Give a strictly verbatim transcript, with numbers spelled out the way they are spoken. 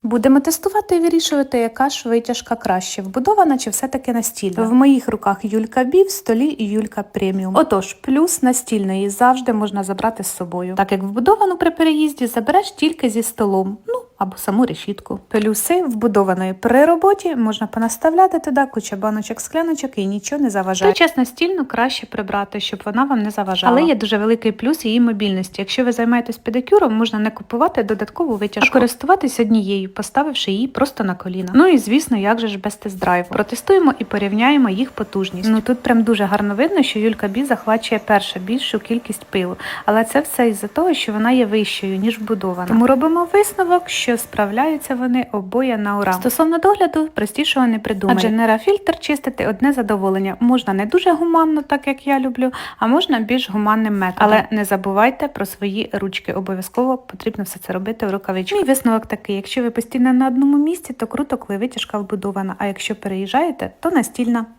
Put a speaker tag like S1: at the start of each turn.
S1: Будемо тестувати і вирішувати, яка ж витяжка краще, вбудована чи все-таки настільна. В моїх руках Юлька Бі, в столі і Юлька Преміум. Отож, плюс настільної завжди можна забрати з собою, так як вбудовану при переїзді забереш тільки зі столом, ну або саму решітку. Плюси вбудованої при роботі можна понаставляти туди куча баночок, скляночок і нічого не заважає. Той час настільну краще прибрати, щоб вона вам не заважала. Але є дуже великий плюс її мобільності. Якщо ви займаєтесь педикюром, можна не купувати додаткову витяжку, а користуватись однією, поставивши її просто на коліна. Ну і звісно, як же ж без тест-драйву. Протестуємо і порівняємо їх потужність. Ну тут прям дуже гарно видно, що Юлька Бі захвачує перша більшу кількість пилу. Але це все із-за того, що вона є вищою, ніж вбудована. Тому робимо висновок, що справляються вони обоє на ура. Стосовно догляду, простішого не придумає. Адже нейрофільтр чистити одне задоволення. Можна не дуже гуманно, так як я люблю, а можна більш гуманним методом. Але не забувайте про свої ручки. Обов'язково потрібно все це робити в рукавичках. Мій висновок такий: якщо ви постійно на одному місці, то круто, коли витяжка вбудована, а якщо переїжджаєте, то настільна.